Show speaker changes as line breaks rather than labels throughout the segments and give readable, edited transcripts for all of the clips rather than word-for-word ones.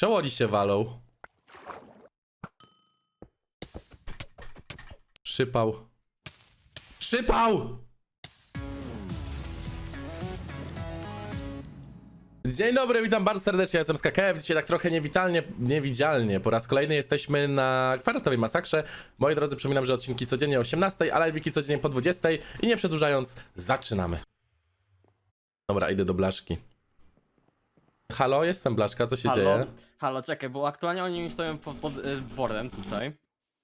Czemu oni się walą? Przypał. Przypał! Dzień dobry, witam bardzo serdecznie, ja jestem z KKF. Dzisiaj tak trochę niewidzialnie. Po raz kolejny jesteśmy na kwadratowej masakrze. Moi drodzy, przypominam, że odcinki codziennie o 18, a live'iki codziennie po 20. I nie przedłużając, zaczynamy. Dobra, idę do Blaszki. Halo, jestem Blaszka, co się dzieje?
Halo, czekaj, bo aktualnie oni stoją pod dworem tutaj.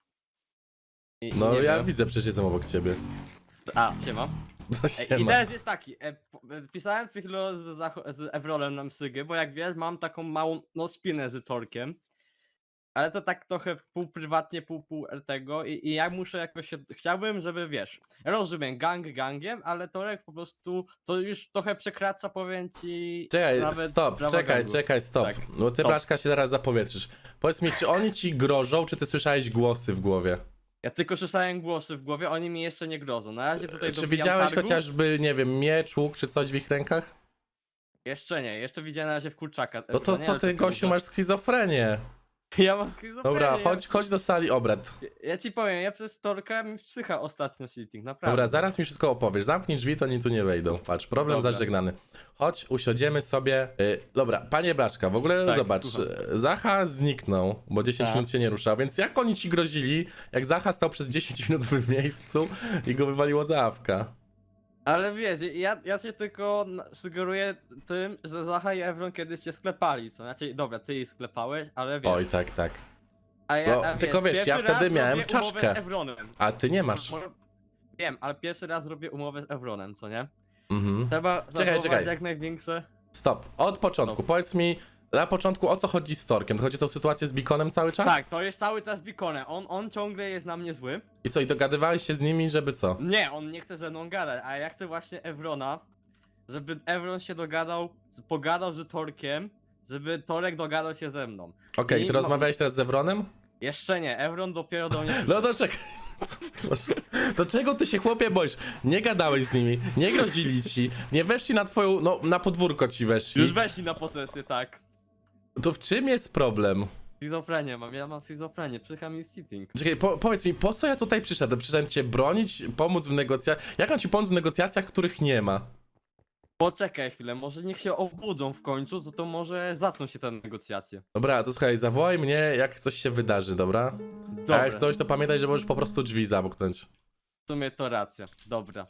No
nie
ja
wiem.
widzę, przecież jestem obok ciebie.
A, siema.
To
I
siema.
teraz jest taki, pisałem przed chwilą z Evrolem na Msygę, bo jak wiesz, mam taką małą, no spinę z Torkiem. Ale to tak trochę pół prywatnie, pół tego i ja muszę jakoś się, chciałbym, żeby wiesz, rozumiem, gangiem, ale Torek po prostu, to już trochę przekracza, powiem ci,
Czekaj,
nawet
stop,
prawo gangu.
stop.
Tak,
No ty,
stop.
Blaszka, się zaraz zapowietrzysz. Powiedz mi, czy oni ci grożą, czy ty słyszałeś głosy w głowie?
Ja tylko słyszałem głosy w głowie, oni mi jeszcze nie grożą. Na razie tutaj
Czy
dobijam
widziałeś
targu.
chociażby, nie wiem, miecz, łuk, czy coś w ich rękach?
Jeszcze nie, jeszcze widziałem na razie w kurczaka.
No to co ty, gościu, masz schizofrenię?
Ja mam schizofrenię.
Dobra, chodź do sali obrad.
Ja ci powiem, ja przez Torka mi psycha ostatnio sitting, naprawdę.
Dobra, zaraz mi wszystko opowiesz. Zamknij drzwi, to oni tu nie wejdą. Patrz, problem
Dobra.
zażegnany. Chodź, usiądziemy sobie. Dobra, panie Blaszka, w ogóle
Tak,
zobacz.
słucham.
Zacha zniknął, bo 10
Tak.
minut się nie ruszał, więc jak oni ci grozili, jak Zacha stał przez 10 minut w miejscu i go wywaliło za awka?
Ale wiesz, ja cię tylko sugeruję tym, że Zacha i Evron kiedyś cię sklepali, co? Znaczy, dobra, ty ich sklepałeś, ale wiesz.
Oj, tak, tak.
A
no, tylko wiesz, ja
pierwszy
wtedy
raz
miałem
robię
czaszkę.
umowę z Evronem.
A ty nie masz.
Wiem, ale pierwszy raz robię umowę z Evronem, co nie?
Mhm.
Trzeba
Czekaj.
zachować jak największe.
Stop. Od początku.
Stop.
Powiedz mi, na początku o co chodzi z Torkiem? To chodzi o tą sytuację z Beaconem cały czas?
Tak, to jest cały czas Beaconem. On ciągle jest na mnie zły.
I co, i dogadywałeś się z nimi, żeby co?
Nie, on nie chce ze mną gadać, a ja chcę właśnie Evrona, żeby Evron się pogadał z Torkiem, żeby Torek dogadał się ze mną.
Okej,
I
ty
no-
rozmawiałeś teraz z Evronem?
Jeszcze nie, Evron dopiero do mnie
No to czekaj. Boże. To czego ty się, chłopie, boisz? Nie gadałeś z nimi, nie grozili ci, nie weszli na twoją, no na podwórko ci weszli.
Już weszli na posesję, tak.
To w czym jest problem?
Schizofrenię mam, ja mam schizofrenię, psycha mi sitting.
Czekaj, powiedz mi, po co ja tutaj przyszedłem? Przyszedłem cię bronić, pomóc w negocjacjach. Jak mam ci pomóc w negocjacjach, których nie ma?
Poczekaj chwilę, może niech się obudzą w końcu, to może zaczną się te negocjacje.
Dobra, to słuchaj, zawołaj mnie, jak coś się wydarzy, dobra? A jak
Dobra,
coś, to pamiętaj, że możesz po prostu drzwi zamknąć.
w sumie to racja, dobra.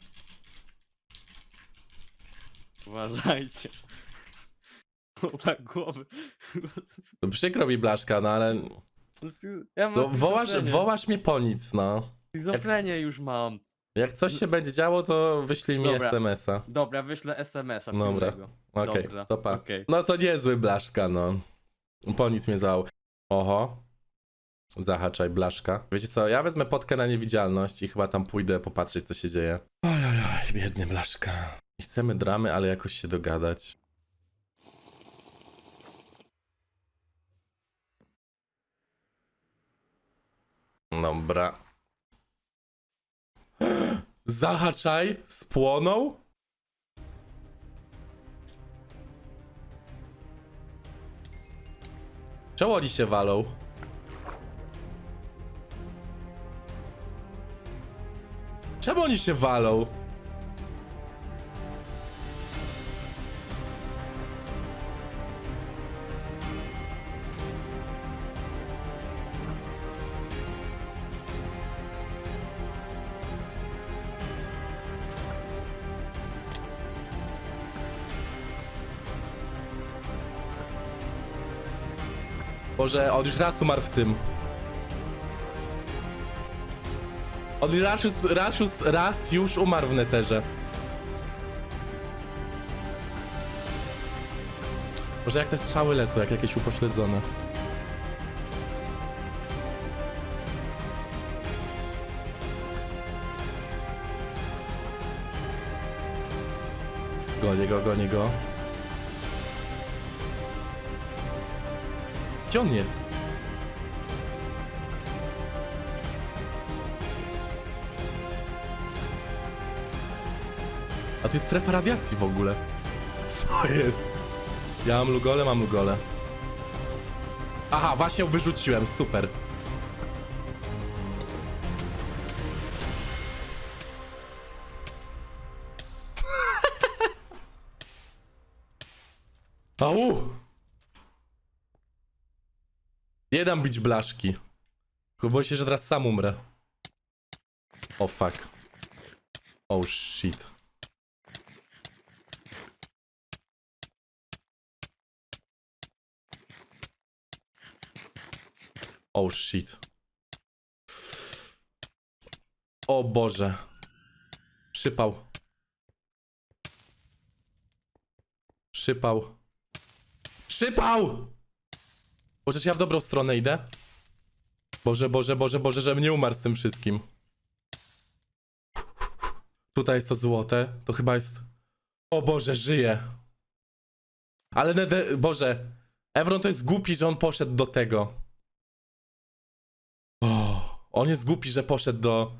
Uważajcie. Dobra, głowy.
No, przykro mi, Blaszka, no ale...
Ja mam
No,
schizofrenię.
wołasz mnie po nic, no.
Schizofrenię już mam.
Jak coś się będzie działo, to wyślij mi
Dobra.
SMS-a.
Dobra, wyślę SMS-a
Dobra.
pilnego.
Okej,
Dobra,
to pa.
okej.
No to niezły Blaszka, no. Po nic mnie załał. Oho. Zahaczaj, Blaszka. Wiecie co, ja wezmę potkę na niewidzialność i chyba tam pójdę popatrzeć, co się dzieje. Oj, biedny Blaszka. Nie chcemy dramy, ale jakoś się dogadać. Dobra. Zahaczaj, spłonął? Czemu oni się walą? Czemu oni się walą? Boże, on już raz umarł w tym. On raz już umarł w neterze. Boże, jak te strzały lecą, jak jakieś upośledzone. Gonię go. Gdzie on jest? A tu jest strefa radiacji w ogóle. Co jest? Ja mam lugole, Aha, właśnie ją wyrzuciłem, super. Au! Nie dam bić blaszki. Tylko boję się, że teraz sam umrę. O fuck. Oh shit. Oh shit. O Boże. Przypał. Przypał. Przypał! Boże, czy ja w dobrą stronę idę? Boże, Boże, Boże, Boże, żebym nie umarł z tym wszystkim. Tutaj jest to złote. To chyba jest... O Boże, żyje. Ale Boże. Evron to jest głupi, że on poszedł do tego. O, on jest głupi, że poszedł do...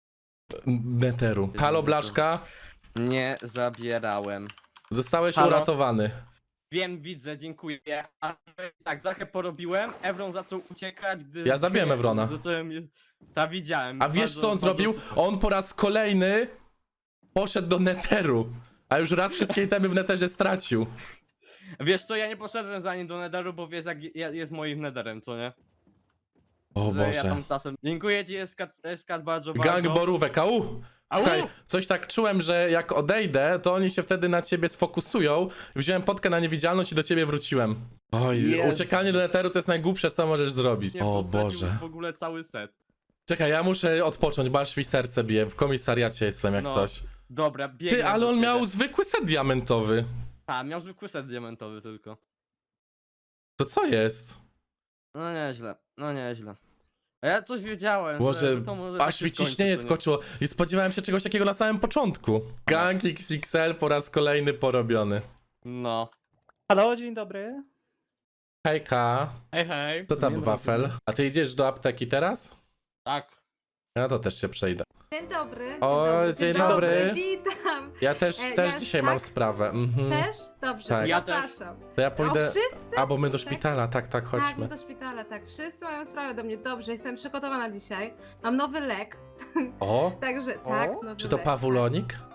Netheru. Halo, Blaszka.
Nie zabierałem.
Zostałeś
Halo?
uratowany.
Wiem, widzę, dziękuję. Ale tak, Zachę porobiłem, Evron zaczął uciekać, gdy...
Ja zabiłem Evrona.
Zacząłem... Tak, widziałem.
A wiesz
Bardzo-
co on
bardzo
zrobił?
szybko.
On po raz kolejny poszedł do Netheru. A już raz wszystkie itemy w Netherze stracił.
Wiesz co, ja nie poszedłem za nim do Netheru, bo wiesz jak jest moim Netherem, co nie?
O
Że ja
Boże.
tam czasem... Dziękuję ci, Eskat, bardzo,
Gang
bardzo.
borówek, au! Słuchaj, coś tak czułem, że jak odejdę, to oni się wtedy na ciebie sfokusują. Wziąłem potkę na niewidzialność i do ciebie wróciłem. Oj,
Jezu.
uciekanie do Netheru to jest najgłupsze, co możesz zrobić.
Nie,
O
posadził
Boże.
w ogóle cały set.
Czekaj, ja muszę odpocząć, bo aż mi serce bije. W komisariacie jestem jak
No,
coś.
Dobra, biegnę
Ty, ale
do
on
ciebie.
miał zwykły set diamentowy.
A, miał zwykły set diamentowy tylko.
To co jest?
No nieźle, no nieźle. A ja coś wiedziałem,
Może
że to może tak
aż
się
mi
skończy,
ciśnienie
co nie?
skoczyło. I spodziewałem się czegoś takiego na samym początku. Gang XXL po raz kolejny porobiony.
No.
Halo, dzień dobry.
Hejka,
Hej, hej.
co tam
Dzień
wafel?
dobry.
A ty idziesz do apteki teraz?
Tak.
Ja to też się przejdę.
Dzień dobry.
O, dzień dobry.
Witam.
Ja też
Ja-
dzisiaj
tak?
mam sprawę. Mhm.
Też? Dobrze,
Tak.
to
Ja też.
zapraszam.
To ja
O,
pójdę...
wszyscy?
A, bo my do
Tak?
szpitala, tak,
Tak,
chodźmy.
do szpitala, tak. Wszyscy mają sprawę do mnie. Dobrze, jestem przygotowana dzisiaj. Mam nowy lek,
O,
także tak, nowy
czy to
lek,
pawulonik?
Tak.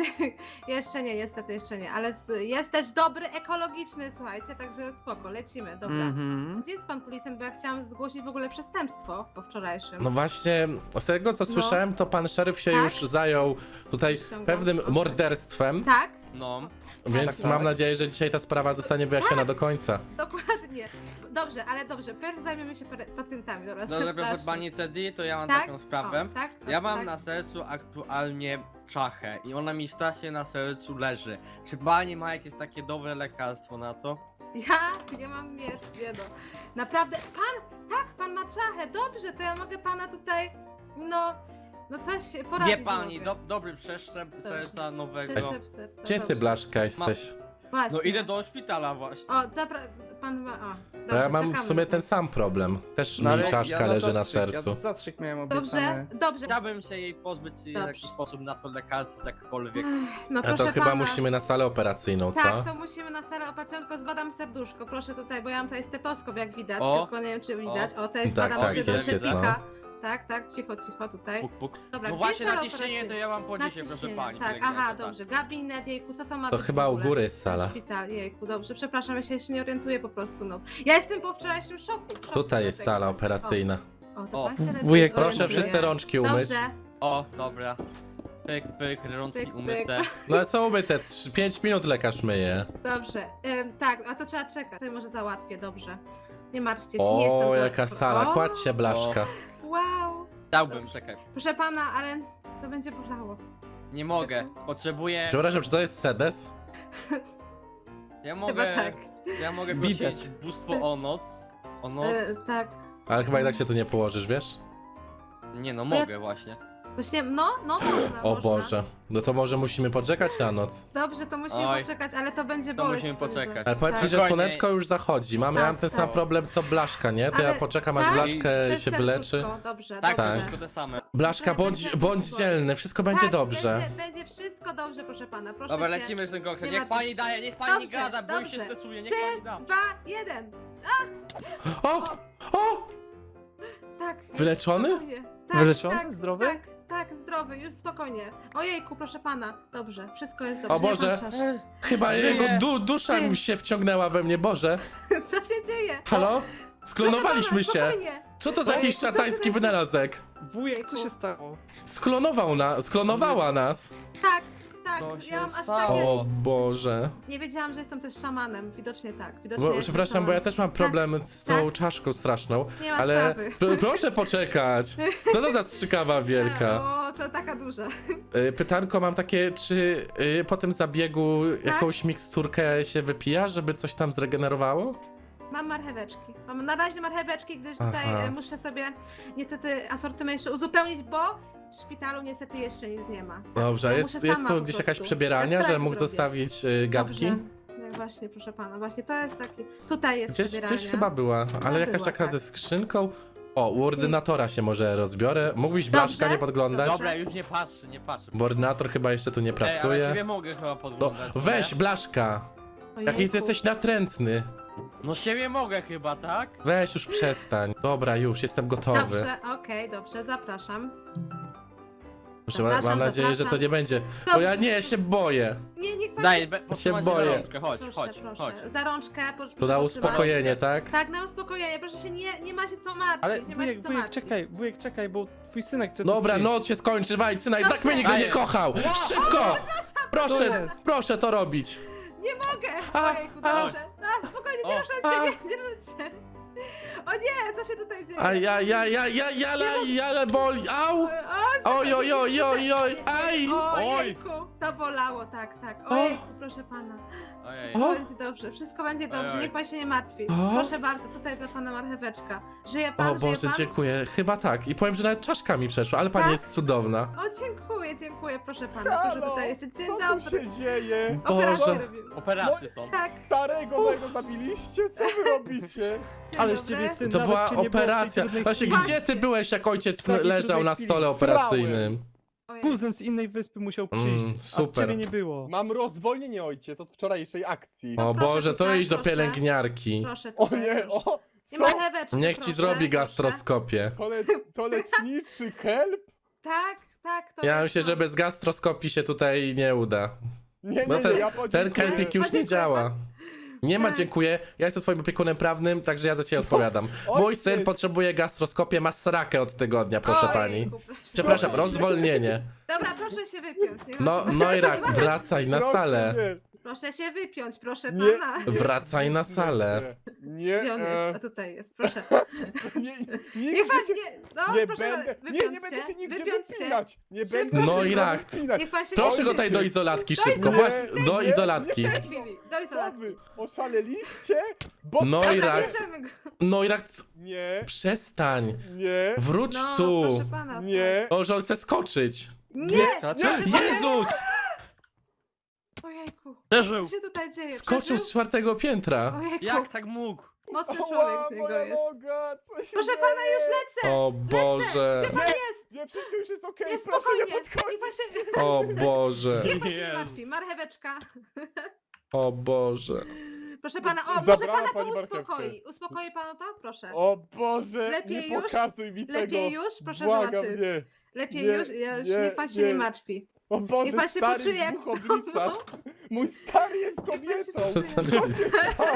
Jeszcze nie, niestety jeszcze nie, ale jest też dobry, ekologiczny, słuchajcie, także spoko, lecimy, dobra.
Mhm.
Gdzie jest pan policjant, bo ja chciałam zgłosić w ogóle przestępstwo po wczorajszym.
No właśnie, z tego co
No.
słyszałem, to pan szeryf się
Tak?
już zajął tutaj
Ściągam.
pewnym
Okej.
morderstwem,
Tak?
No.
więc
tak.
mam nadzieję, że dzisiaj ta sprawa zostanie wyjaśniona do końca.
Dokładnie. Dobrze, ale dobrze, pierw zajmiemy się pacjentami, dobra,
Dobrze, proszę
zapraszam.
pani Cedi, to ja mam
Tak?
taką sprawę.
O, tak?
Ja mam
tak.
na sercu aktualnie czachę i ona mi strasznie na sercu leży. Czy pani ma jakieś takie dobre lekarstwo na to?
Ja nie mam miecz, nie no. Naprawdę, pan ma czachę, dobrze, to ja mogę pana tutaj, no coś poradzić.
Nie pani,
mogę.
dobry przeszczep serca nowego.
Przeszczep serca,
Gdzie ty,
dobrze.
Blaszka, jesteś?
Właśnie.
No idę do szpitala właśnie.
O, pan ma,
Bo
dobrze,
ja mam w
czekamy
sumie
na to.
ten sam problem. Też
No, ale
mi czaszka leży na sercu.
Ja zastrzyk miałem
Dobrze,
obiecany.
dobrze.
Chciałbym się jej pozbyć w
Dobrze.
jakiś sposób na to lekarstwo, jakkolwiek.
No
A
proszę
to chyba
pana.
musimy na salę operacyjną, co?
Tak, to musimy na salę operacyjną, zbadam serduszko, proszę tutaj, bo ja mam tutaj stetoskop, jak widać,
O.
tylko nie wiem, czy widać. O, to jest
Tak,
badam
tak,
serduszko,
jest,
pika. Tak, cicho tutaj.
Puk, puk.
Dobra,
No
gdzie
właśnie
sala
na ciśnienie to
operacyjna?
ja mam po
Na
dzisiaj, proszę
ciśnienie,
pani.
Tak,
pielęgniarka,
aha,
tak.
dobrze. Gabinet, jejku, co to ma
To
być
chyba
w
u
ogóle?
góry jest sala.
Szpital, jejku, dobrze, przepraszam, ja się jeszcze nie orientuję po prostu, no. Ja jestem po wczorajszym szoku. w szoku
Tutaj jest
dlatego
sala
właśnie.
operacyjna.
O, to
O,
pan się lepiej
wujek,
Proszę
orientuje.
wszyscy rączki umyć.
Dobrze,
O, dobra. Pyk, pyk, rączki
Pyk, pyk.
umyte.
No ale co umyte? 5 minut lekarz myje.
dobrze. Tak, a to trzeba czekać. Sobie może załatwię, dobrze. Nie martwcie się, nie jestem
O,
za-
jaka sala.
O,
Kładź się, Blaszka.
Wow.
Chciałbym, czekaj.
Proszę pana, ale to będzie bolało.
Nie mogę. Potrzebuję.
Przepraszam, czy to jest sedes?
Ja
Chyba
mogę.
tak.
Ja mogę
Widać.
prosić bóstwo o noc. O noc.
Tak.
Ale chyba i tak się tu nie położysz, wiesz?
Nie no, mogę właśnie.
Właśnie, no, można,
O
można.
Boże. No to może musimy poczekać na noc.
Dobrze, to musimy
Oj.
poczekać, ale to będzie
To
boleć.
musimy
powiem, że-
poczekać.
Ale powiem ci,
Tak.
że
Spokojnie.
słoneczko już zachodzi. Mam
Tak,
ten
tak.
sam problem co Blaszka, nie? To ja
Ale-
poczekam, aż
tak?
Blaszkę
To jest
się wyleczy.
serduszko, Dobrze,
Tak,
dobrze.
wszystko te same.
Blaszka, bądź dzielny, wszystko będzie
Tak,
dobrze.
Będzie wszystko dobrze, proszę pana, proszę
Dobra,
się
lecimy z tym koksem.
nie
Niech
martwić
pani
się.
daje, niech pani
Dobrze,
gada, bo już się
dobrze.
stresuje, niech
3,
pani da.
2, 1.
O! O!
Tak.
Wyleczony?
spokojnie. Tak,
Wyleczony?
Tak,
Zdrowy?
Tak, zdrowy, już spokojnie. Ojejku, proszę pana. Dobrze, wszystko jest dobrze.
O
nie
Boże.
pan trzasz.
Chyba
Żyje.
jego dusza
Żyje.
mi się wciągnęła we mnie, Boże.
Co się dzieje?
Halo? Sklonowaliśmy
Proszę pana,
się.
spokojnie.
Co to za jakiś
Co się
szatański
dzieje?
wynalazek?
Wujek, co się stało?
Sklonowała nas.
Tak,
Co
ja mam
się
aż
stało?
takie...
O Boże.
Nie wiedziałam, że jestem też szamanem. Widocznie tak. Widocznie
Bo,
jestem
przepraszam, bo ja
szamanem.
też mam problem z tą
tak.
czaszką straszną.
Nie ma
Ale
sprawy.
proszę poczekać. Co to za strzykawa wielka?
O, to taka duża.
Pytanko mam takie, czy po tym zabiegu jakąś miksturkę się wypija, żeby coś tam zregenerowało?
Mam marcheweczki. Mam na razie marcheweczki, gdyż tutaj
Aha.
muszę sobie niestety asortyment jeszcze uzupełnić, bo w szpitalu niestety jeszcze nic nie ma.
Dobrze, a
Ja
jest,
muszę
jest
sama
tu
po
gdzieś
prostu.
jakaś przebieralnia,
Ja
że
strajk
mógł
zrobię.
zostawić gadki?
Dobrze. Właśnie, proszę pana, właśnie to jest taki... Tutaj jest przebieralnia.
Gdzieś chyba była, ale jakaś
była,
taka
tak.
ze skrzynką. O, u ordynatora się może rozbiorę. Mógłbyś Blaszka
Dobrze.
nie podglądać?
Dobra, już nie patrzę, nie patrzę.
Bo ordynator chyba jeszcze tu nie
Ej, ale
pracuje.
ciebie mogę chyba
No,
podglądać.
weź
nie?
Blaszka!
Ojejku.
Jaki jesteś natrętny.
No siebie mogę chyba, tak?
Weź już przestań. Dobra, już jestem gotowy.
Dobrze, okej, dobrze, zapraszam.
Proszę, mam
Zapraszam,
nadzieję, że to
zapraszam.
nie będzie. Bo
Dobrze.
ja nie, się boję.
Nie, niech pan...
Daj, potrzymaj
boję.
za rączkę, chodź,
Proszę,
chodź,
proszę.
chodź.
Za rączkę, proszę
To na
potrzymać.
uspokojenie, tak?
Tak, na uspokojenie, proszę się, nie ma się co martwić,
Ale
nie ma się co martwić.
wujek, czekaj, bo twój synek chce tu
Dobra,
przyjść.
noc się skończy, Wajcyna, i tak
Dobrze.
mnie nigdy nie
Dajesz.
kochał! Szybko!
To
Proszę,
jest.
proszę to robić.
Nie mogę!
A,
Ojejku,
a.
dobrze. A, spokojnie, nie
O.
ruszać się, nie ruszać się. O nie, co się tutaj dzieje?
Ale boli, au! Oj, oj, oj, oj, oj, aj!
Ojejku, to bolało, tak. Ojejku, proszę pana.
Ojej.
Wszystko
O.
będzie dobrze, wszystko będzie dobrze,
Ojej.
niech pan się nie martwi.
O.
Proszę bardzo, tutaj dla pana marcheweczka. Żyje pan,
O Boże,
żyje pan?
dziękuję. Chyba tak. I powiem, że nawet czaszkami przeszło, ale pani
Tak?
jest cudowna.
O, dziękuję, proszę pana, proszę tutaj jest. Dzień
co tu
dobry.
się dzieje?
Operację
Boże.
robimy.
Operacje są.
Tak.
Starego mojego zabiliście? Co wy robicie?
Dzień
Ale z
dobry.
ciebie syn
To
nawet
była
cię nie było w tej
operacja.
trudnej
Właśnie,
chwili.
gdzie ty byłeś, jak ojciec
W takiej
leżał na
trudnej
stole
chwili
operacyjnym?
Ojej.
Kuzyn z innej wyspy musiał przyjść, a
super.
ciebie nie było.
Mam rozwolnienie ojciec od wczorajszej akcji.
O
proszę
Boże, to
tutaj,
idź do
proszę.
pielęgniarki.
Proszę
O
tutaj,
nie,
proszę.
o!
I
Co?
marcheweczkę,
Niech ci
proszę,
zrobi
proszę.
gastroskopię.
To leczniczy kelp?
Tak, to
Ja
jest
myślę,
to.
że bez gastroskopii się tutaj nie uda.
Nie,
Bo
nie,
ten-
nie, ja
Ten
podziękuję.
kelpik już nie
Podziękuję.
działa. Nie ma
Tak.
dziękuję. Ja jestem twoim opiekunem prawnym, także ja za ciebie odpowiadam. Mój
ojciec.
syn potrzebuje gastroskopię, ma srakę od tygodnia, proszę
Ojejku,
pani.
proszę.
Przepraszam,
Co?
rozwolnienie.
Dobra, proszę się wypiąć. Nie ma
No,
się-
Neurach, wracaj na
Proszę
salę.
nie.
Proszę się wypiąć, proszę
Nie.
pana.
Wracaj na salę.
Nie,
Gdzie on jest? A tutaj jest, proszę.
nie,
Niech
nigdy
pan
się...
nie. No,
Nie
proszę
będę,
wypiąć
nie będę się nigdzie
wypiąć
wypinać. Nie
Szybko,
będę
No
się
i rakt.
wypinać.
Niech pan się
Proszę
nie
go tutaj do izolatki szybko,
Nie,
właśnie, do
nie,
izolatki.
nie.
W tej chwili, do
Co
izolatki.
wy? Oszaleliście? Bo...
No i
Dobra,
rakt.
bierzemy go.
Neurach,
Nie,
przestań.
nie,
Wróć
No,
tu.
proszę pana.
nie.
O, że on chce skoczyć.
Nie!
Skacze?
proszę pana.
Jezus!
Ojejku.
Przeżył.
Co się tutaj dzieje?
Skoczył z
Przeżył?
4 piętra.
Ojejku.
Jak tak mógł?
Mocny
Oła,
człowiek z niego
moja
jest.
noga, co się
Proszę
dzieje?
pana, już lecę!
O Boże.
Gdzie pan jest?
Nie, wszystko już jest okej,
Jest
proszę nie
spokojnie. Niech pan
podchodzić.
się,
O Boże.
niech pan się nie
Jezu.
martwi. Marcheweczka.
O Boże.
Proszę pana, o, może
Zabrała
pana to
pani marchewkę.
uspokoi. Uspokoi panu to? Proszę.
O Boże,
Lepiej
nie
już?
pokazuj mi tego.
Lepiej już? Proszę
Błagam,
zobaczyć.
nie.
Lepiej
Nie,
już? Niech pan się nie
nie.
martwi.
O Boże,
Niech pan się
stary
poczuje
w
jak-
dwóch obliczach. Mój stary jest
pan się
kobietą.
Co tam
Co
jest?
się stało?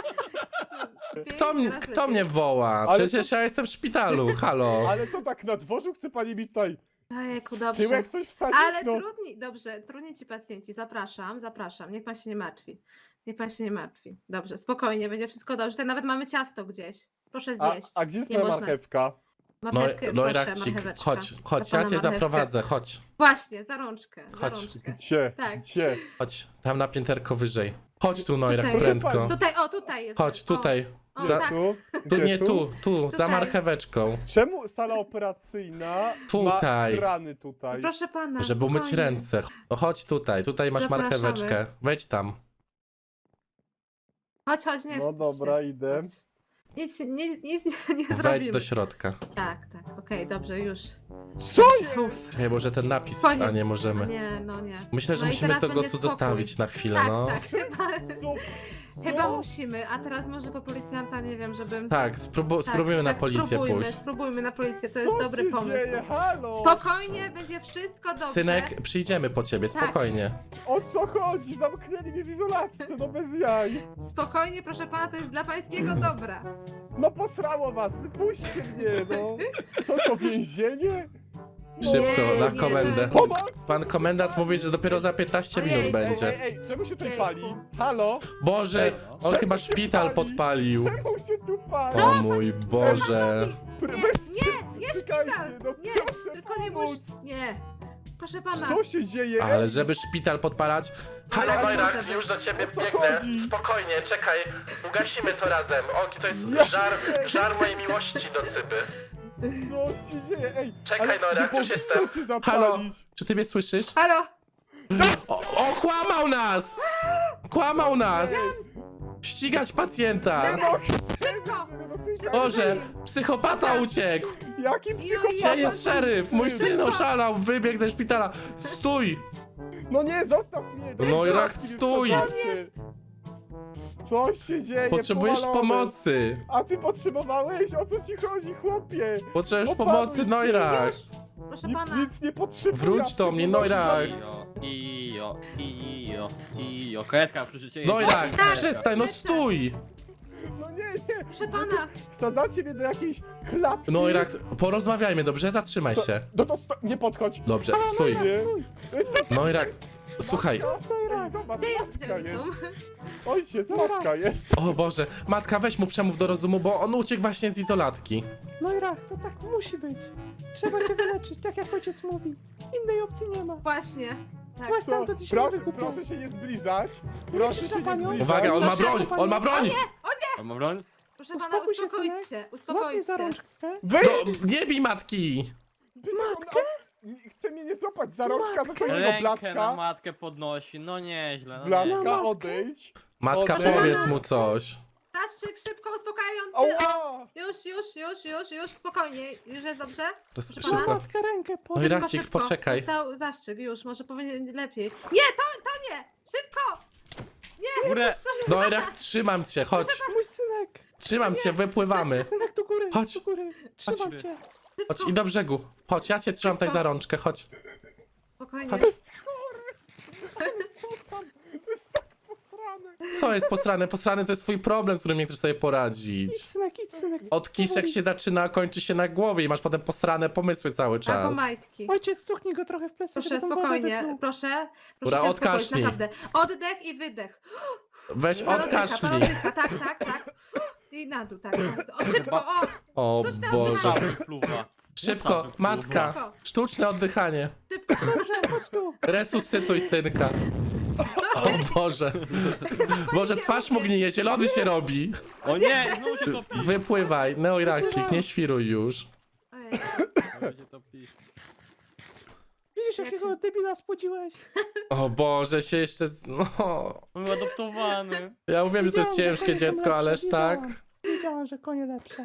Teraz
Kto
lepiej.
mnie woła?
Ale
Przecież ja jestem w szpitalu, halo.
Ale co tak na dworzu chce pani mi tutaj
Ojejku,
w
dobrze.
tyłek coś wsadzić?
Ale
No.
trudni ci pacjenci. Zapraszam. Niech pan się nie martwi. Niech pan się nie martwi. Dobrze, spokojnie, będzie wszystko dobrze. Tutaj nawet mamy ciasto gdzieś. Proszę zjeść.
A gdzie jest
Nie
moja
można.
marchewka?
Marchewkę,
No i
proszę,
Rachcik,
marcheweczka.
chodź,
Dla
ja
pana
cię
marchewkę.
zaprowadzę, chodź,
Właśnie, za rączkę.
Chodź.
Za rączkę.
Gdzie?
Tak.
Gdzie?
chodź, tam na pięterko wyżej. Chodź tu, Neurach,
Tutaj.
prędko.
Proszę
Tutaj, o, tutaj jest.
Chodź,
o,
tutaj.
O,
Za-
tak.
Tu?
Tu
Gdzie
nie
tu?
tu, za
Tutaj.
marcheweczką.
Czemu sala operacyjna
Tutaj.
ma krany tutaj?
Proszę pana,
Żeby umyć
spokojnie.
ręce. No chodź tutaj masz
Zapraszamy.
marcheweczkę. Wejdź tam.
Chodź, nie
No
wstydź
dobra,
się.
idę.
Chodź. Nic nie
Wejdź
zrobimy.
do środka.
Tak, okej, dobrze, już.
Co jest?
Uff,
Czekaj, może ten napis,
Panie-
a nie możemy.
nie, no nie.
Myślę, że
No i
musimy
teraz
to go
będzie
tu
spokój.
zostawić na chwilę,
Tak,
no.
tak,
Co?
chyba
Co?
musimy, a teraz może po policjanta, nie wiem, żebym...
Tak, spróbujmy na policję pójść.
Spróbujmy na policję, to
Co
jest dobry
się
pomysł.
Dzieje? Halo!
Spokojnie, będzie wszystko dobrze.
Synek, przyjdziemy po ciebie,
Tak.
spokojnie.
O co chodzi? Zamknęli mnie w izolatce, no bez jaj.
Spokojnie, proszę pana, to jest dla pańskiego dobra.
No posrało was, wypuśćcie mnie, no. Co to, więzienie?
Szybko,
Nie,
na
nie.
komendę.
Pomoc!
Pan komendant mówi, że dopiero za 15
Ojej.
minut będzie.
Ej, czemu się tutaj
Jejku.
pali? Halo?
Boże,
Ej,
on
czemu
chyba
się
szpital
pali?
podpalił.
Czemu się tu pali?
O mój Boże.
Nie
Czekajcie,
szpital!
no
Nie,
proszę
tylko nie
pomóc.
musisz. Nie. Proszę pana.
Co się dzieje?
Ale żeby szpital podpalać... Halo,
Ale
Wojrak,
może
już do ciebie
o co
biegnę.
chodzi?
Spokojnie, czekaj. Ugasimy to razem. O, to jest
Ja-
żar mojej miłości do cyby.
Co się dzieje? Ej,
Czekaj,
ale
Nora,
nie
już
powinno
jestem.
się zapalić.
Halo, czy ty mnie słyszysz?
Halo!
O, kłamał nas! Kłamał nas! Ścigać pacjenta!
Szybko!
Boże, psychopata uciekł!
Jaki psychopata?
Gdzie jest szeryf? Mój syn oszalał, wybiegł ze szpitala. Stój!
No nie, zostaw mnie!
No i
Zostaw
rak,
mnie,
stój!
wsadzacie. Co się dzieje?
Potrzebujesz
Powalony.
pomocy!
A ty potrzebowałeś? O co ci chodzi, chłopie?
Potrzebujesz
Opanuj
pomocy,
się.
Neurach!
Proszę pana.
Nic nie potrzebuję.
Wróć do mnie, Neurach!
Ijo. Karetka przy życiu.
Neurach,
Tak.
przestań, no stój!
No nie.
Proszę pana.
Wsadzacie mnie do jakiejś klatki.
Neurach, porozmawiajmy, dobrze? Zatrzymaj
Co-
się.
No to nie podchodź.
Dobrze, stój.
Nie. Co?
Neurach, słuchaj.
Ej, zobacz,
Gdzie jest
matka
Jason?
jest. Ojciec, matka jest.
O Boże, matka, weź mu przemów do rozumu, bo on uciekł właśnie z izolatki.
No i rach, to tak musi być. Trzeba cię wyleczyć, tak jak ojciec mówi. Innej opcji nie ma.
Właśnie. Tak.
Właśnie.
Co?
Stamtąd się nie
Proszę,
wykupię.
proszę się nie zbliżać. Proszę
Krzyż
się
na panią.
nie zbliżać.
Uwaga, on ma
Proszę,
broń! On ma broń!
Mam broń?
Proszę pana,
Uspokój się,
uspokoić
synek.
się.
Złap mnie
Uspokoić
za
się.
rączkę.
Wy!
Nie bij matki!
Matkę? Chce mnie nie złapać za rączka, za swojego
Rękę na
blaszka.
matkę podnosi, no nieźle. No
Blaszka,
nieźle.
odejdź.
Matka,
Odejdź.
powiedz mu coś.
Zastrzyk szybko, uspokajający.
Ała!
Już, spokojnie. Już jest dobrze? Proszę
Szybko.
pana.
Matkę rękę
No i
podaj.
Rachcik,
Szybko.
poczekaj.
Dostał zastrzyk, już, może powinien lepiej. Nie, to nie! Szybko!
Górę.
Proszę
No
pana.
Rach, trzymam cię, chodź.
Mój synek.
Trzymam cię, wypływamy.
Synek do góry.
Chodź.
Do góry. Trzymam
Chodź.
cię.
Chodź i do brzegu. Chodź, ja cię trzymam tutaj za rączkę, chodź.
Spokojnie.
Chodź.
To jest chory. Ale co tam? To jest tak posrane.
Co jest posrane? Posrane to jest twój problem, z którym nie chcesz sobie
Idź
poradzić.
synek, idź synek.
Od kiszek
Powoli.
się zaczyna, a kończy się na głowie i masz potem posrane pomysły cały
Albo
czas.
majtki.
Ojciec, stuknij go trochę w plecy,
Proszę,
żeby tą wodę
spokojnie,
wypluł.
proszę.
Dobra,
Proszę się uspokoić,
odkasznij.
naprawdę. Oddech i wydech.
Weź
Pan
odkaszlij.
oddycha, tak. I na dół, tak. O, szybko, o!
O
Sztuczne
Boże.
oddychanie.
Wypluwa.
Szybko, matka.
Szybko.
Sztuczne oddychanie.
Szybko.
Dobrze, chodź tu.
Resuscytuj synka. O Boże. Boże, twarz mu gnije, zielony się robi.
O nie, znowu się topi.
Wypływaj. Neurachcik, nie świruj już.
Ojej.
Znowu się topi.
Widzisz,
Jak
jakiego debila spłodziłeś?
O Boże, się jeszcze... No.
On był adoptowany.
Ja mówiłem, że to jest
Wiedziałam, że
ciężkie
konie są
dziecko,
lepsze,
ależ tak.
Wiedziałam, że konie lepsze.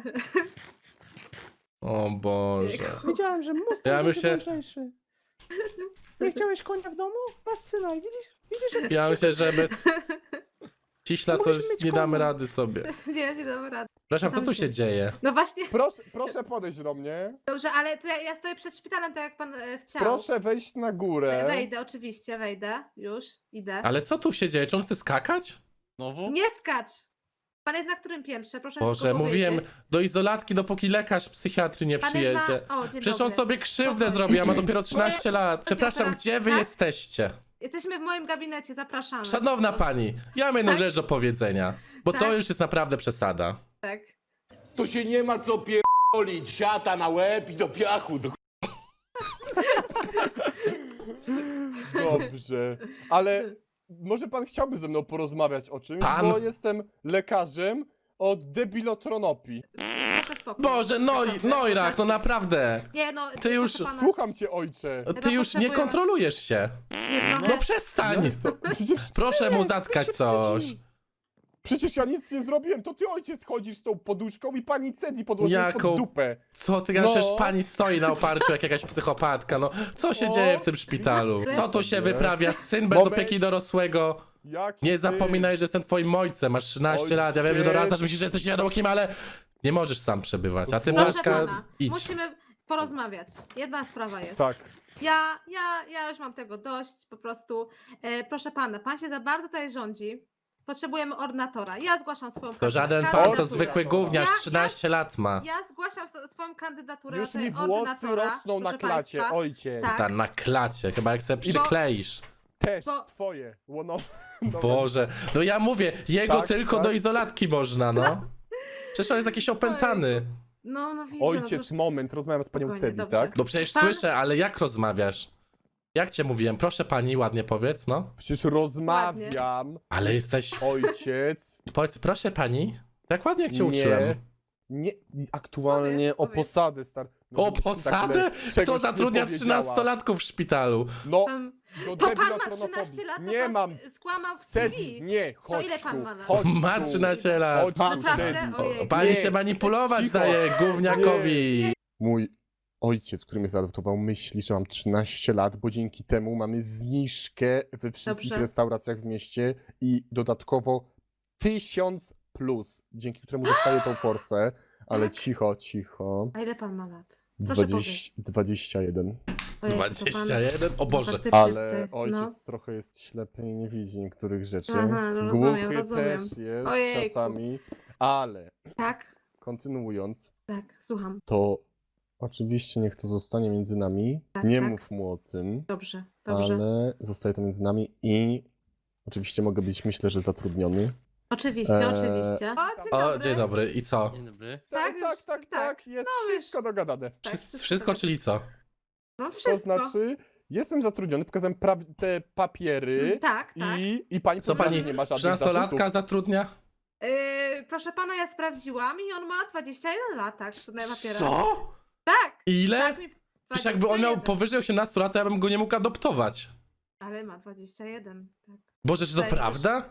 O Boże.
Wiedziałam, że Mustang
Ja
będzie
myślę-
mądrzejszy. Nie chciałeś konia w domu? Masz syna i widzisz jak
Ja myślę, że bez ciśla to
Musimy
już
mieć
nie damy
konia.
rady sobie.
Nie dam rady.
Przepraszam, co tu się dzieje?
No właśnie,
Proszę podejść do mnie.
dobrze, ale to ja stoję przed szpitalem, tak jak pan chciał.
Proszę wejść na górę.
Wejdę, oczywiście, wejdę. Już, idę.
Ale co tu się dzieje? Czy on chce skakać?
Znowu?
Nie skacz! Pan jest na którym piętrze? Proszę
Boże,
tylko
mówiłem,
powiedzieć.
do izolatki, dopóki lekarz psychiatry nie
Pan
przyjedzie.
jest na... O, dzień
Przecież on
dobry.
sobie krzywdę
Spokojnie.
zrobił, a ma dopiero 13 lat. Przepraszam,
teraz-
gdzie wy
tak?
jesteście?
Jesteśmy w moim gabinecie, zapraszamy.
Szanowna pani, ja mam jedną
Tak?
rzecz do powiedzenia, bo to
Tak?
już jest naprawdę przesada.
Tak.
To się nie ma co pierdolić, siata na łeb i do piachu.
Dobrze. Ale może pan chciałby ze mną porozmawiać o czymś,
Pan?
bo jestem lekarzem, od debilotronopii.
Proszę spokój.
Boże, Noirak, no naprawdę.
Nie no,
Ty już
proszę pana,
Słucham cię, ojcze.
Ty już nie
potrzebujemy-
kontrolujesz się.
nie, trochę-
No przestań.
Przecież,
Proszę mu
synek,
zatkać
ty się
coś.
wstydzi. Przecież ja nic nie zrobiłem, to ty ojciec chodzisz z tą poduszką i pani Cedi podłożyłeś
Jaką-
pod dupę.
Co ty gadasz? Przecież
No.
pani stoi na oparciu jak jakaś psychopatka, no. Co się
O.
dzieje w tym szpitalu? Co tu się
Nie.
wyprawia? Syn bez
Moment.
opieki dorosłego.
Jaki
Nie
syn?
zapominaj, że jestem twoim ojcem, masz 13 lat, ja wiem, że
Ojciec.
dorastasz, myślisz, że jesteś nie wiadomo kim, ale nie możesz sam przebywać, a ty,
Proszę
Proszę
Blaszka,
pana,
idź.
musimy porozmawiać. Jedna sprawa jest.
Tak.
Ja już mam tego dość, po prostu. Proszę pana, pan się za bardzo tutaj rządzi. Potrzebujemy ordynatora. Ja zgłaszam swoją
To żaden pan, to
kandydaturę.
zwykły gówniarz, 13 lat ma.
Ja zgłaszam swoją kandydaturę
Już
na
mi
tutaj
włosy
ordynatora,
rosną na
proszę
klacie,
państwa.
ojciec.
Tak.
Ta na klacie, chyba jak se przykleisz.
Też
Bo-
twoje. No,
Boże, no ja mówię, jego
Tak,
tylko
tak.
do izolatki można, no. Przecież on jest jakiś opętany.
No widzę.
Ojciec,
no,
moment, rozmawiam z panią
Spokojnie,
Cedi,
dobrze.
tak?
No przecież
Pan-
słyszę, ale jak rozmawiasz? Jak cię mówiłem? Proszę pani, ładnie powiedz, no.
Przecież rozmawiam,
Ale jesteś...
ojciec.
Powiedz, proszę pani, jak ładnie jak cię uczyłem.
Nie, aktualnie
Powiedz,
o
powiedz.
posadę, star. No,
O
żebyś ty tak
posadę?
czegoś
Kto
nie
zatrudnia
powiedziała.
13-latków w szpitalu?
No,
To
do
pan ma
debilotronofobii.
13 lat, to
Nie
pan
mam.
skłamał w CV.
Cedi, nie, chodź
ile pan
tu,
ma lat?
chodź
Ma
tu.
13 lat.
Chodź tu,
Naprawdę?
Cedi.
Ojej.
Pani
Nie,
się manipulować
cicho.
daje gówniakowi.
Mój ojciec, który mnie zaadoptował, myśli, że mam 13 lat, bo dzięki temu mamy zniżkę we wszystkich
Dobrze.
restauracjach w mieście i dodatkowo 1000 plus, dzięki któremu dostaję tą forsę. Ale
Tak?
cicho.
A ile pan ma lat? Proszę
21.
Ojej, to pan-
21? O Boże.
faktycznie
Ale
tutaj,
ojciec trochę jest ślepy i nie widzi niektórych rzeczy.
Aha, no
Głuchy
rozumiem.
też jest
Ojejku.
czasami. Ale
Tak,
kontynuując,
tak, słucham.
to oczywiście niech to zostanie między nami.
Tak,
Nie
tak.
mów mu o tym.
Dobrze.
Ale zostaje to między nami i oczywiście mogę być, myślę, że zatrudniony.
Oczywiście, oczywiście.
O, dzień dobry. I co?
Dzień dobry.
Tak, już- tak.
jest
No, już-
wszystko dogadane.
Tak,
Wszystko, czyli co?
No
To
wszystko.
znaczy, jestem zatrudniony, pokazałem te papiery
Tak, tak.
i pani
Co
powiedziała,
pani
że nie ma żadnych
13-latka
zarzutów.
zatrudnia?
Proszę pana, ja sprawdziłam i on ma 21 lat, tak? Na papierach.
Co?
Tak,
Ile?
tak mi
Przecież jakby on miał
21.
powyżej 18 lat, to ja bym go nie mógł adoptować.
Ale ma 21, tak.
Boże, czy to
Zdaje mi się.
prawda?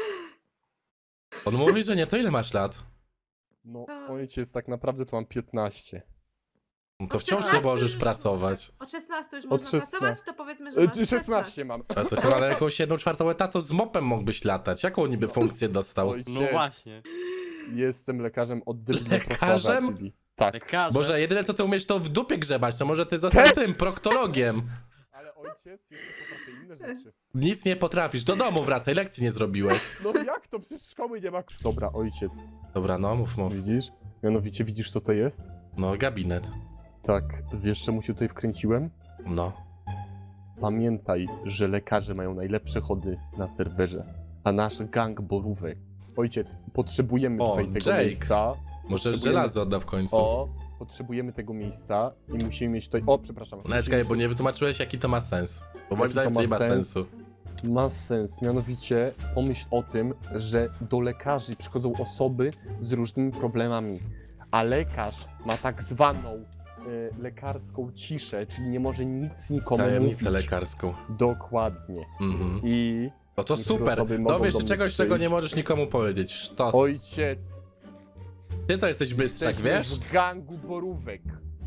On mówi, że nie, to ile masz lat?
No, ojciec, tak naprawdę to mam 15.
No to
Od
wciąż nie
16
możesz
już
pracować.
Od 16 już
Od
można
16.
pracować, to powiedzmy, że masz
16 mam.
A to chyba na jakąś 1/4 etatu z mopem mógłbyś latać. Jaką niby funkcję dostał?
Ojciec,
No właśnie.
jestem lekarzem od debilotropii.
Lekarzem?
Tak.
Lekarze.
Boże, jedyne co ty umiesz to w dupie grzebać, to może ty został
Też.
tym, proktologiem.
Ale ojciec jeszcze potrafi inne rzeczy.
Nic nie potrafisz, do domu wracaj, lekcji nie zrobiłeś.
No jak to? Przecież szkoły nie ma. Dobra, ojciec,
Dobra, no mów.
widzisz? Mianowicie widzisz, co to jest?
No, gabinet.
Tak, wiesz, czemu się tutaj wkręciłem?
No.
Pamiętaj, że lekarze mają najlepsze chody na serwerze, a nasz gang borówek. Ojciec, potrzebujemy
O,
tutaj tego
Jake.
miejsca.
Może
Potrzebujemy-
żelazo odda w końcu.
Potrzebujemy tego miejsca i musimy mieć tutaj. O, przepraszam.
No czekaj, bo nie wytłumaczyłeś jaki to ma sens. Bo moim
Jaki to
zdaniem to
ma
nie ma
sens?
sensu.
Ma sens, mianowicie pomyśl o tym, że do lekarzy przychodzą osoby z różnymi problemami, a lekarz ma tak zwaną lekarską ciszę, czyli nie może nic nikomu
Tajemnicę
mówić.
lekarską.
Dokładnie.
Mhm.
I
No to
niektóre
super.
osoby mogą
Dowiesz
do
się
mnie
czegoś, czego nie
przyjść.
możesz nikomu powiedzieć. Sztos.
ojciec,
Ty to jesteś bystrzak,
jesteśmy
wiesz?
w gangu borówek.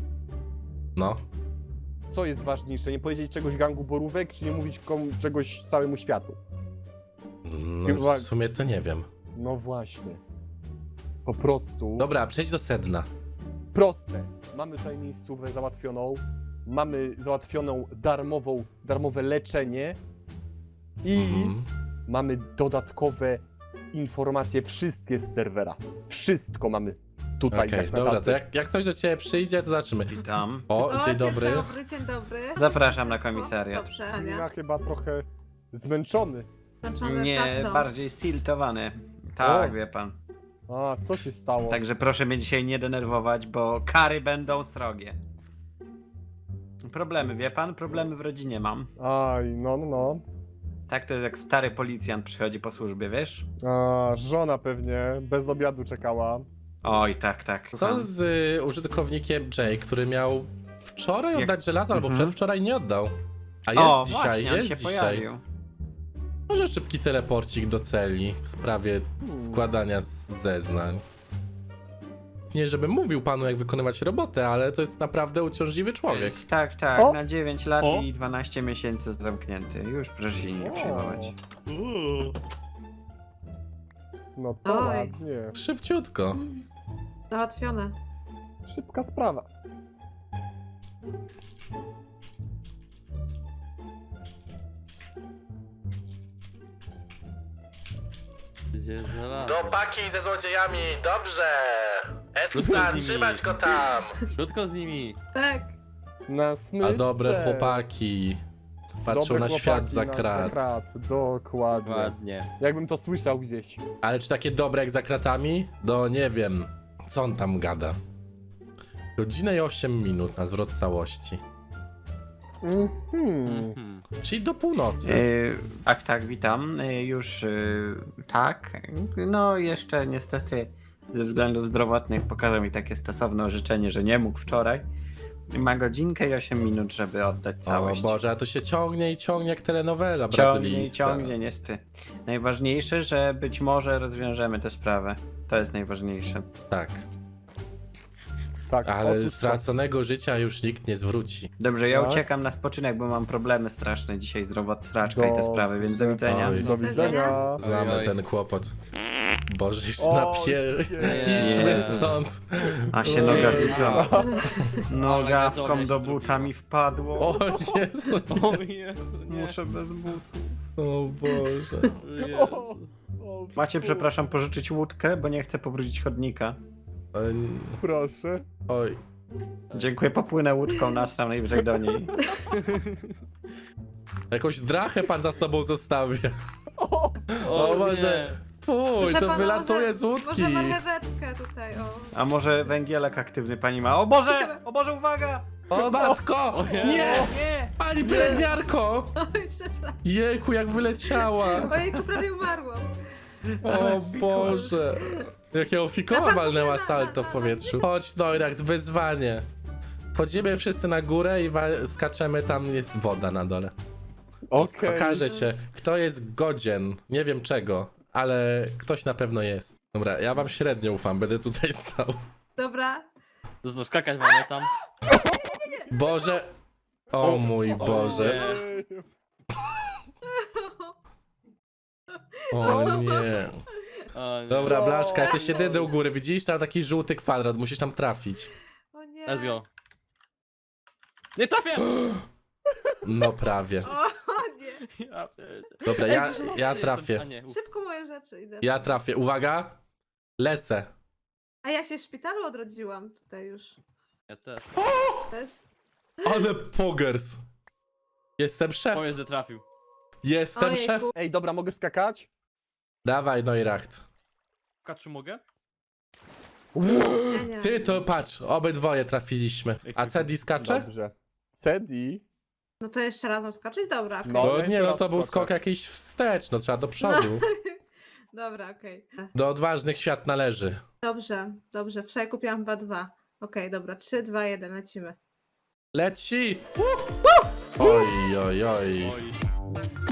No.
Co jest ważniejsze, nie powiedzieć czegoś gangu borówek, czy nie mówić czegoś całemu światu?
No
Chyba-
w sumie to nie wiem.
No właśnie. Po prostu.
Dobra, przejdź do sedna.
Proste. Mamy tutaj miejscówkę załatwioną. Mamy załatwioną darmowe leczenie. I
Mhm.
mamy dodatkowe informacje, wszystkie z serwera. Wszystko mamy tutaj.
Okej,
tak na
dobra,
tacy.
to jak ktoś do ciebie przyjdzie, to zobaczymy.
Witam.
O, dzień dobry.
Dzień dobry.
Zapraszam na
Wszystko?
komisariat.
Dobrze,
Ja
Ania.
chyba trochę zmęczony.
Zmęczony
Nie,
pracą.
bardziej stiltowany. Tak,
O.
wie pan.
A, co się stało?
Także proszę mnie dzisiaj nie denerwować, bo kary będą srogie. Problemy, wie pan? Problemy w rodzinie mam.
Aj, no.
Tak to jest jak stary policjant przychodzi po służbie, wiesz?
A, żona pewnie bez obiadu czekała.
Oj, tak, tak.
Co z użytkownikiem Jay, który miał wczoraj
Jak-
oddać żelazo, albo
Mhm.
przedwczoraj nie oddał? A jest
O,
dzisiaj,
właśnie, on
jest
się
dzisiaj.
pojawił.
Może szybki teleporcik do celi w sprawie składania zeznań. Nie, żebym mówił panu, jak wykonywać robotę, ale to jest naprawdę uciążliwy człowiek.
Tak, tak,
O!
na 9 lat
O!
i 12 miesięcy zamknięty. Już proszę się nie przejmować.
No to
Oj.
ładnie.
Szybciutko.
Załatwione.
Szybka sprawa.
Do paki ze złodziejami, dobrze!
Krótko z nimi.
trzymać go tam!
Krótko z nimi.
Tak.
Na smyczce.
A dobre chłopaki patrzą
Dobre
na
chłopaki
świat za
na
krat.
Dokładnie.
Ładnie.
Jakbym to słyszał gdzieś.
Ale czy takie dobre jak za kratami? No nie wiem. Co on tam gada? Godzinę i 8 minut na zwrot całości.
Mhm.
Czyli do północy.
Tak, tak, witam. Już tak. No jeszcze niestety ze względów zdrowotnych pokazał mi takie stosowne orzeczenie, że nie mógł wczoraj. Ma godzinkę i 8 minut, żeby oddać
O
całość.
Boże, a to się ciągnie i ciągnie jak telenowela
Ciągnie i
brazylijska.
ciągnie, niestety. Najważniejsze, że być może rozwiążemy tę sprawę. To jest najważniejsze.
Tak,
Tak,
ale
otóż to.
straconego życia już nikt nie zwróci.
Dobrze, ja
Tak.
uciekam na spoczynek, bo mam problemy straszne dzisiaj zdrowotne, straczka i te sprawy, więc do
Dobrze.
widzenia.
Oj.
Do widzenia.
Znamy
Oj, oj.
ten kłopot. Boże, jeszcze
O,
idźmy
Jezus.
stąd.
A się
O
noga
Jezu.
widzą. Nogawką
Ale
do
się
buta mi wpadło.
O Jezu.
O Jezu, nie.
Muszę bez butów.
O Boże.
O, o,
Macie, przepraszam, pożyczyć łódkę, bo nie chcę pobrudzić chodnika.
Proszę.
Oj.
Dziękuję, popłynę łódką, tam najwyżej do niej.
Jakąś drachę pan za sobą zostawia.
O,
O Boże.
nie.
Fuj,
Proszę
to
pana,
wylatuje z łódki.
Może marcheweczkę tutaj, o.
A może węgielek aktywny pani ma? O Boże, uwaga!
O matko!
nie.
Nie!
Nie!
Pani pielęgniarko!
Oj, przepraszam.
Jejku, jak wyleciała!
Ojejku, prawie umarłam.
O Boże! Jak ją fikoła
Na-
walnęła
na-
salto w
na-
powietrzu. Chodź, Neurach, wyzwanie. Wchodzimy wszyscy na górę i skaczemy, tam jest woda na dole.
okej.
Okaże się, kto jest godzien, nie wiem czego, ale ktoś na pewno jest. Dobra, ja wam średnio ufam, będę tutaj stał.
Dobra.
To co, skakać mamy tam?
Boże! O mój Boże!
nie.
O nie!
O, nie.
Dobra,
Co?
Blaszka, jesteś jedyny u góry, widzisz? Tam taki żółty kwadrat, musisz tam trafić.
O nie.
Let's go. Nie trafię!
No prawie.
O nie.
Ja pierdzie-
Dobra,
Ej,
ja
dużo mocniej
trafię.
jestem. A nie, uf.
Szybko moje rzeczy idę.
Ja trafię. Uwaga! Lecę.
A ja się w szpitalu odrodziłam tutaj już.
Ja też.
Też.
Ale pogers. Jestem szef.
Powiedz, że trafił.
Jestem
Ojejku.
szef.
Ej, dobra, mogę skakać?
Dawaj, Neuracht.
Czy mogę?
Nie, nie.
Ty to patrz, obydwoje trafiliśmy. A Cedi skacze?
Dobrze. Cedi?
No to jeszcze razem skoczyć? Dobra, okej.
No.
Bo
jeszcze
nie, no
raz
to był
skoczę.
skok jakiś wstecz, no trzeba do przodu.
Dobra, okej.
Do odważnych świat należy.
Dobrze, dobrze. Wczoraj kupiłam chyba 2. Okej, dobra. 3, 2, 1, lecimy.
Leci! Oj, oj, oj.
Oj.